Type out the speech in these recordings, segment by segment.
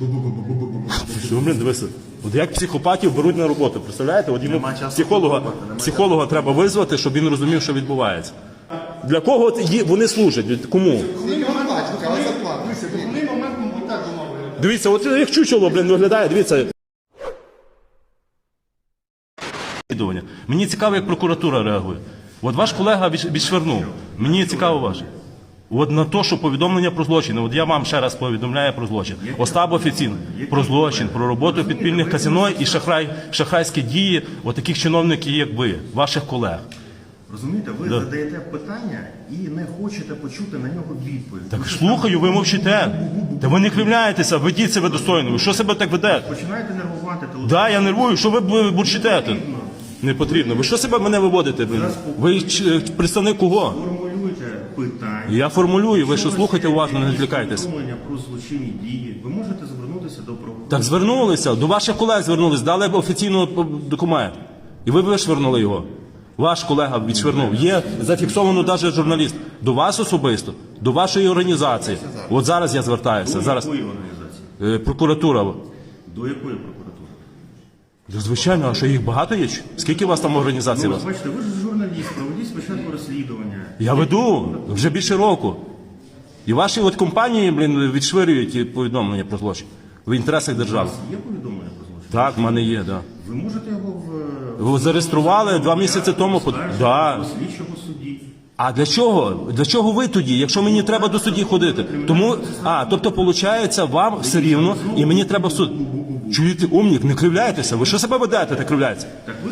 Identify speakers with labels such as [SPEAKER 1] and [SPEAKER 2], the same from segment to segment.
[SPEAKER 1] Що, блін, дивися. От як психопатів беруть на роботу, представляєте? От йому психолога треба визвати, щоб він розумів, що відбувається. Для кого вони служать? Кому? Дивіться, от як чучело, блін, виглядає, дивіться. Мені цікаво, як прокуратура реагує. От ваш колега відшвернув. Мені цікаво ваше. От на те, що повідомлення про злочин. От я вам ще раз повідомляю про злочин. Остап офіційно. Про злочин, про роботу підпільних казино і шахрайські дії от таких чиновників, як ви, ваших колег.
[SPEAKER 2] Розумієте, ви задаєте питання і не хочете почути на нього відповідь.
[SPEAKER 1] Так слухаю, ви мовчите. Та ви не кривляєтеся, ведіть себе достойно. Ви що себе так ведете?
[SPEAKER 2] Починаєте нервувати.
[SPEAKER 1] Так, я нервую. Що ви бурчите тут? Не потрібно. Ви що себе мене виводите? Ви представник кого?
[SPEAKER 2] Формулюйте питання.
[SPEAKER 1] Я формулюю. Ви що слухайте уважно, не відвлікайтесь.
[SPEAKER 2] Повідомлення про злочинні дії. Ви можете звернутися до прокурора.
[SPEAKER 1] Так звернулися. До ваших колег звернулись. Дали офіційний документ. І ви вишвернули його. Ваш колега відшвернув. Є зафіксовано навіть журналіст. До вас особисто. До вашої організації. От зараз я звертаюся. Зараз.
[SPEAKER 2] До якої організації?
[SPEAKER 1] Прокуратура.
[SPEAKER 2] До якої прокуратури?
[SPEAKER 1] Звичайно, а що їх багато є? Скільки у вас там організацій?
[SPEAKER 2] Ну, бачите, ви ж журналіст, проведіть спочатку розслідування.
[SPEAKER 1] Я веду вже більше року. І ваші от компанії, блін, відшвирюють ті повідомлення про злочин в інтересах держави.
[SPEAKER 2] У вас є повідомлення про злочин?
[SPEAKER 1] Так, в мене є, так. Да.
[SPEAKER 2] Ви можете його
[SPEAKER 1] Ви зареєстрували 2 місяці тому. Да.
[SPEAKER 2] до слідчого судді.
[SPEAKER 1] А для чого? Для чого ви тоді, якщо мені треба до судді ходити? Тому, тобто, виходить, вам все рівно, і мені треба в суд. Чуєте, умник, не кривляєтеся. Ви що себе ведете, так кривляєтеся?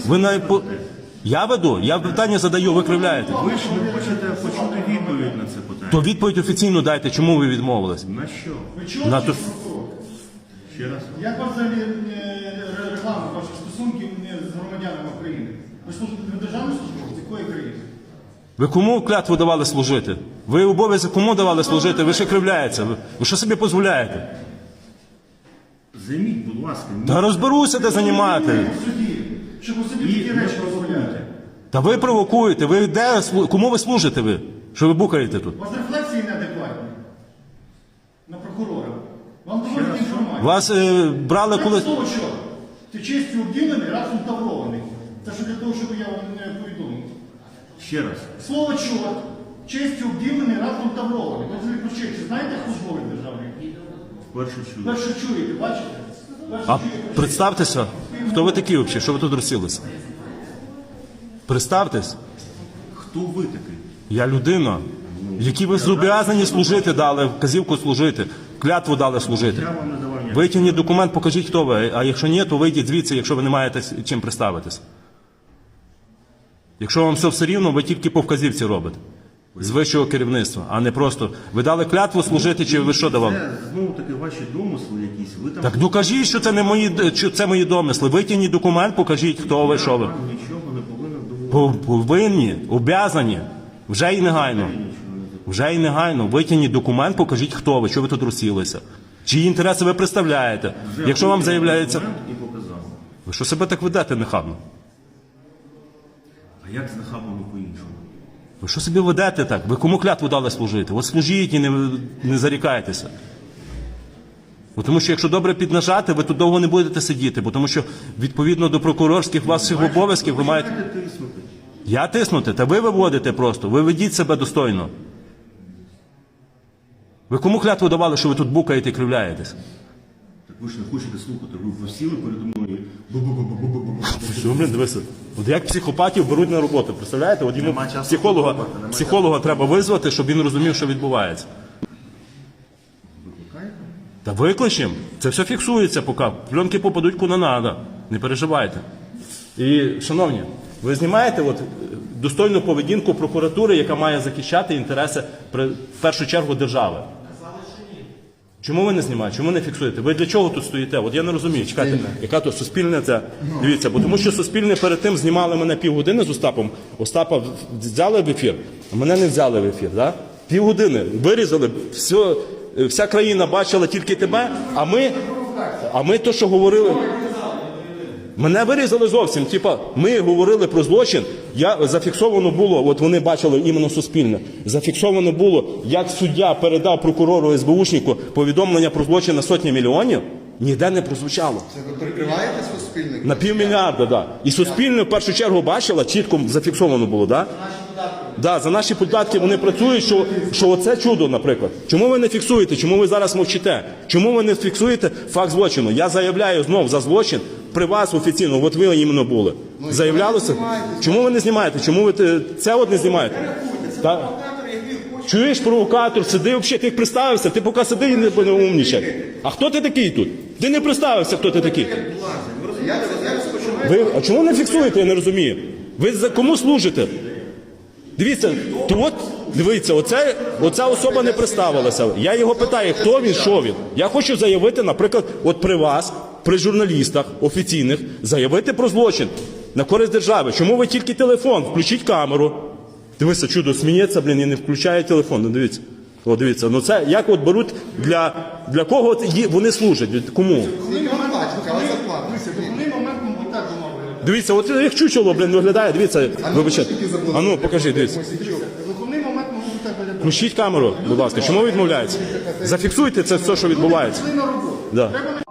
[SPEAKER 1] Я веду, я питання задаю, ви кривляєте.
[SPEAKER 2] Ви ж не хочете почути відповідь на це питання.
[SPEAKER 1] То відповідь офіційно дайте, чому ви відмовились?
[SPEAKER 2] На що?
[SPEAKER 3] Ви чули,
[SPEAKER 1] На то-
[SPEAKER 2] Ще раз.
[SPEAKER 3] як у вас взагалі регламент ваших стосунків з громадянами України? Ви служите на державну службу? З якої країни?
[SPEAKER 1] Ви кому клятву давали служити? Ви обов'язок кому давали служити? Ви ще кривляєтеся. Ви що собі дозволяєте?
[SPEAKER 2] Займіть, будь ласка,
[SPEAKER 1] Та розберуся, де займати.
[SPEAKER 3] В суді, щоб у суді такі речі дозволяти.
[SPEAKER 1] Та ви провокуєте. Ви де, кому ви служите ви? Що ви букаєте тут?
[SPEAKER 3] У вас рефлексії неадекватні на прокурора. Вам доводять інформацію.
[SPEAKER 1] Вас брали
[SPEAKER 3] Це
[SPEAKER 1] коли...
[SPEAKER 3] слово що? Ти честю обділений, разом таврований. Це що для того, щоб я вам не повідомив.
[SPEAKER 2] ще раз.
[SPEAKER 3] Слово чорт, честю обділений, разом таврований. Ви взагалі про честь знаєте службовий державний?
[SPEAKER 2] Вперше чую.
[SPEAKER 3] Перше чуєте, бачите? Перше
[SPEAKER 1] А
[SPEAKER 3] чуєте.
[SPEAKER 1] представтеся, хто ви такі взагалі? Що ви тут розсілися? Представтесь.
[SPEAKER 2] Хто ви такий?
[SPEAKER 1] Я людина, якій ви зобов'язані служити, дали вказівку служити, клятву дали служити.
[SPEAKER 2] Я вам не давав ніякого.
[SPEAKER 1] Витягніть документ, покажіть, хто ви. А якщо ні, то вийдіть звідси, якщо ви не маєте чим представитись. Якщо вам все рівно, ви тільки по вказівці робите. З вищого керівництва, а не просто. Ви дали клятву служити, чи ви що давали?
[SPEAKER 2] Це знову таки ваші домисли якісь. Ви там
[SPEAKER 1] Так докажіть, що це не мої, що це мої домисли. Витягніть документ, покажіть, хто ви, що ви.
[SPEAKER 2] вам нічого не повинен доводити.
[SPEAKER 1] Повинні, обязані. Вже і негайно. Вже і негайно. Витягніть документ, покажіть, хто ви, що ви тут розсілися. Чиї інтереси ви представляєте. Якщо вам заявляється...
[SPEAKER 2] І показав.
[SPEAKER 1] Ви що себе так ведете нехабно?
[SPEAKER 2] А як з нахабами по-іншому?
[SPEAKER 1] Ви що собі ведете так? Ви кому клятву дали служити? От служіть і не зарікайтеся. Бо тому що якщо добре піднажати, ви тут довго не будете сидіти, бо тому що відповідно до прокурорських ваших обов'язків ви маєте...
[SPEAKER 2] Починаєте тиснути.
[SPEAKER 1] Я тиснути? Та ви виводите просто. Ви ведіть себе достойно. Ви кому клятву давали, що ви тут букаєте і кривляєтесь?
[SPEAKER 2] Так ви ж не хочете слухати. Ви сіли передо мною.
[SPEAKER 1] Що, блін, дивися. От як психопатів беруть на роботу, представляєте? От йому
[SPEAKER 2] Нема часу подумати, нема
[SPEAKER 1] психолога треба визвати, щоб він розумів, що відбувається.
[SPEAKER 2] Викликаєте?
[SPEAKER 1] Та викличем. Це все фіксується поки. Пленки попадуть куди треба. Не переживайте. І, шановні, ви знімаєте от достойну поведінку прокуратури, яка має захищати інтереси, в першу чергу, держави. Чому ви не знімаєте? Чому не фіксуєте? Ви для чого тут стоїте? От я не розумію. Чекайте, яка то суспільне це? Дивіться, бо тому що суспільне перед тим знімали мене півгодини з Остапом. Остапа взяли в ефір, а мене не взяли в ефір. Да? Півгодини. Вирізали, вся країна бачила тільки тебе, а ми то, що говорили... Мене вирізали зовсім. Типа, ми говорили про злочин, зафіксовано було, от вони бачили іменно суспільне, зафіксовано було, як суддя передав прокурору СБУшнику повідомлення про злочин на сотні мільйонів. Ніде не прозвучало.
[SPEAKER 4] Це ви прикриваєте суспільник?
[SPEAKER 1] На півмільярда, да. І суспільне в першу чергу бачила, чітко зафіксовано було, да? Да, за наші податки вони працюють, що оце чудо, наприклад. Чому ви не фіксуєте? Чому ви зараз мовчите? Чому ви не фіксуєте факт злочину? Я заявляю знов за злочин при вас офіційно, от ви іменно були. Заявлялося? Чому ви не знімаєте? Чому ви це от не знімаєте? Та- Чуєш, провокатор, сиди взагалі, ти представився, ти поки сиди і не умнічай. А хто ти такий тут? Ти не представився, хто ти такий. Ви, а чому не фіксуєте, я не розумію? Ви за кому служите? Дивіться, то от, дивіться, оця особа не представилася. Я його питаю, хто він, що він. Я хочу заявити, наприклад, от при вас, при журналістах офіційних, заявити про злочин на користь держави. Чому ви тільки телефон? Включіть камеру. Дивися, чудо, сміється, блін, і не включає телефон. Ну дивіться. О, дивіться, ну це як от беруть, для кого вони служать? Кому?
[SPEAKER 4] Скільки вам платять? Яка зарплата?
[SPEAKER 3] Головний момент, мабуть, так домовили.
[SPEAKER 1] Дивіться, от як чучело, блін, виглядає, дивіться, вибачте. А ну, покажи, дивіться.
[SPEAKER 3] Головний момент, мабуть, так виглядає.
[SPEAKER 1] Включіть камеру, будь ласка. Чому відмовляється? Зафіксуйте це все, що відбувається.
[SPEAKER 3] Пішли на роботу.
[SPEAKER 1] Да.
[SPEAKER 3] Треба